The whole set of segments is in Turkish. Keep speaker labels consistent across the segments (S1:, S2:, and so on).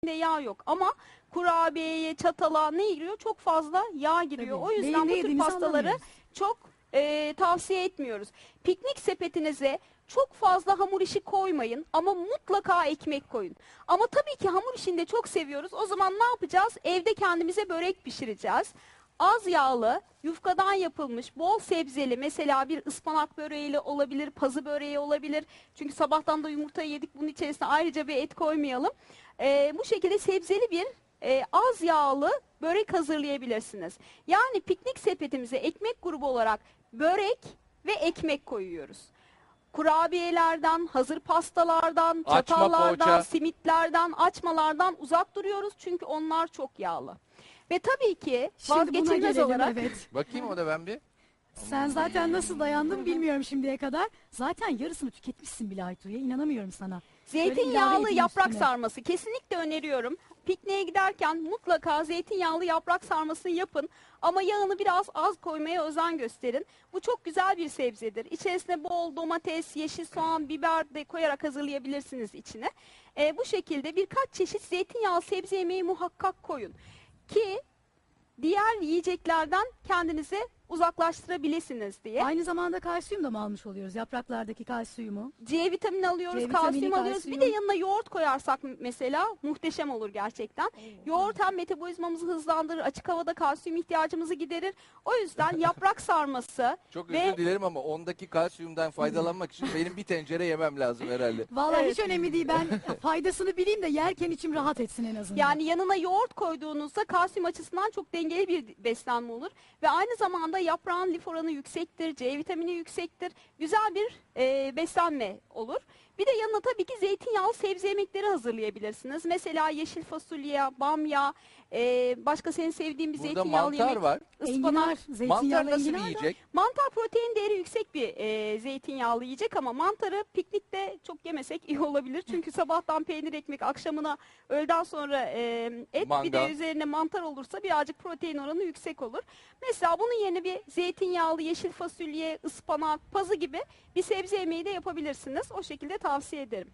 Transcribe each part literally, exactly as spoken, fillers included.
S1: yağ yok ama kurabiyeye, çatala ne giriyor? Çok fazla yağ giriyor.
S2: Tabii.
S1: O yüzden
S2: Neyin ne
S1: bu tür
S2: yediğimizi
S1: pastaları
S2: anlamıyoruz.
S1: çok e, tavsiye etmiyoruz. Piknik sepetinize çok fazla hamur işi koymayın ama mutlaka ekmek koyun. Ama tabii ki hamur işini de çok seviyoruz. O zaman ne yapacağız? Evde kendimize börek pişireceğiz. Az yağlı, yufkadan yapılmış, bol sebzeli, mesela bir ıspanak böreğiyle olabilir, pazı böreği olabilir. Çünkü sabahtan da yumurta yedik, bunun içerisine ayrıca bir et koymayalım. Ee, bu şekilde sebzeli bir e, az yağlı börek hazırlayabilirsiniz. Yani piknik sepetimize ekmek grubu olarak börek ve ekmek koyuyoruz. Kurabiyelerden, hazır pastalardan,
S3: Açma,
S1: çatallardan,
S3: poğaça.
S1: simitlerden, açmalardan uzak duruyoruz. Çünkü onlar çok yağlı. Ve tabii ki
S2: Şimdi buna
S1: vazgeçilmez
S2: gelelim,
S1: olarak
S2: evet.
S3: Bakayım o da ben bir.
S2: Sen zaten nasıl dayandın bilmiyorum şimdiye kadar. Zaten yarısını tüketmişsin bile Aytu'ya. İnanamıyorum sana. Böyle ilave
S1: zeytinyağlı
S2: edeyim
S1: yaprak
S2: üstüne.
S1: sarması kesinlikle öneriyorum. Pikniğe giderken mutlaka zeytinyağlı yaprak sarmasını yapın. Ama yağını biraz az koymaya özen gösterin. Bu çok güzel bir sebzedir. İçerisine bol domates, yeşil soğan, biber de koyarak hazırlayabilirsiniz içine. Ee, bu şekilde birkaç çeşit zeytinyağlı sebze yemeği muhakkak koyun. Ki diğer yiyeceklerden kendinizi uzaklaştırabilirsiniz diye.
S2: Aynı zamanda kalsiyum da mı almış oluyoruz? Yapraklardaki kalsiyumu.
S1: C vitamini alıyoruz,
S2: C vitamini,
S1: kalsiyum alıyoruz. Bir
S2: kalsiyum.
S1: de yanına yoğurt koyarsak mesela muhteşem olur gerçekten. Yoğurt hem metabolizmamızı hızlandırır, açık havada kalsiyum ihtiyacımızı giderir. O yüzden yaprak sarması
S3: Çok
S1: ve
S3: özür dilerim ama ondaki kalsiyumdan faydalanmak için benim bir tencere yemem lazım herhalde.
S2: Vallahi
S1: Evet.
S2: hiç önemli değil. Ben faydasını bileyim de yerken içim rahat etsin en azından.
S1: yani yanına yoğurt koyduğunuzda kalsiyum açısından çok dengeli bir beslenme olur. Ve aynı zamanda yaprağın lif oranı yüksektir, C vitamini yüksektir. Güzel bir e, beslenme olur. Bir de yanına tabii ki zeytinyağlı sebze yemekleri hazırlayabilirsiniz. Mesela yeşil fasulye, bamya, e, başka senin sevdiğin bir
S3: Burada
S1: zeytinyağlı
S3: mantar
S1: yemek.
S3: var.
S1: Ispanak.
S2: enginar, zeytinyağlı
S3: Mantar nasıl bir
S2: enginar da-
S3: yiyecek?
S1: Mantar protein değeri yüksek bir e, zeytinyağlı yiyecek ama mantarı piknikte çok yemesek iyi olabilir. Çünkü sabahtan peynir ekmek, akşamına öğleden sonra e, et, bir de
S3: Mangal.
S1: üzerine mantar olursa birazcık protein oranı yüksek olur. Mesela bunun yerine bir zeytinyağlı yeşil fasulye, ıspanak, pazı gibi bir sebze yemeği de yapabilirsiniz. O şekilde tavsiye ederim.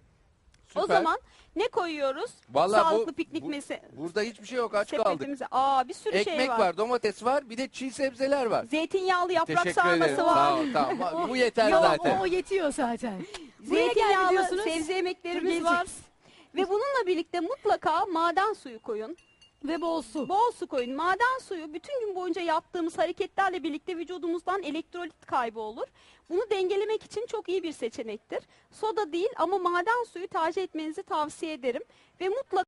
S1: O
S3: Süper.
S1: zaman ne koyuyoruz?
S3: Vallahi bu-
S1: Sağlıklı piknik
S3: bu-
S1: mese
S3: Burada hiçbir şey yok, aç kaldık.
S1: sepetimize. Aa, bir sürü
S3: Ekmek
S1: şey
S3: var.
S1: var.
S3: domates var, bir de çiğ sebzeler var.
S1: Zeytinyağlı yaprak
S3: Teşekkür
S1: sarması
S3: ederim.
S1: var.
S3: Sağ ol, tamam. Bu yeter
S2: Yok,
S3: zaten.
S2: o yetiyor zaten. Buraya geldi
S1: Zeytinyağlı
S2: diyorsunuz.
S1: sebze yemeklerimiz
S2: Dur,
S1: var.
S2: geleceğiz.
S1: Ve bununla birlikte mutlaka maden suyu koyun.
S2: Ve bol su.
S1: Bol su koyun. Maden suyu bütün gün boyunca yaptığımız hareketlerle birlikte vücudumuzdan elektrolit kaybı olur. Bunu dengelemek için çok iyi bir seçenektir. Soda değil ama maden suyu tercih etmenizi tavsiye ederim. Ve mutlaka